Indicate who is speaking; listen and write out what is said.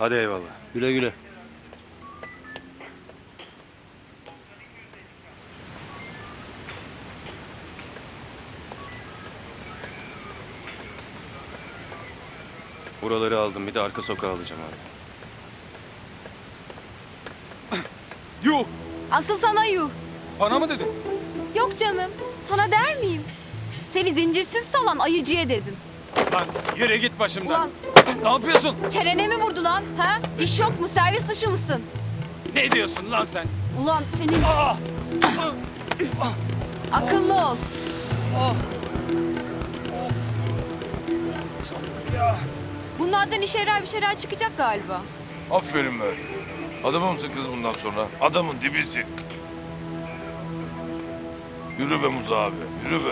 Speaker 1: Hadi eyvallah.
Speaker 2: Güle güle.
Speaker 1: Buraları aldım. Bir de arka sokağı alacağım abi.
Speaker 3: Yuh!
Speaker 4: Asıl sana yuh.
Speaker 3: Bana mı dedin?
Speaker 4: Yok canım. Sana der miyim? Seni zincirsiz salan ayıcıya dedim.
Speaker 3: Lan yere git başımdan.
Speaker 4: Ulan
Speaker 3: Ne yapıyorsun?
Speaker 4: çenene mi vurdu lan? Ha? İş yok mu? Servis dışı mısın?
Speaker 3: Ne diyorsun lan sen?
Speaker 4: Ulan senin...
Speaker 3: Aa!
Speaker 4: Akıllı ol. Bunlardan işe yarar bir şeyler çıkacak galiba.
Speaker 5: Aferin be. Adamımsın kız bundan sonra. Adamın dibisin. Yürü be Muza abi, yürü be.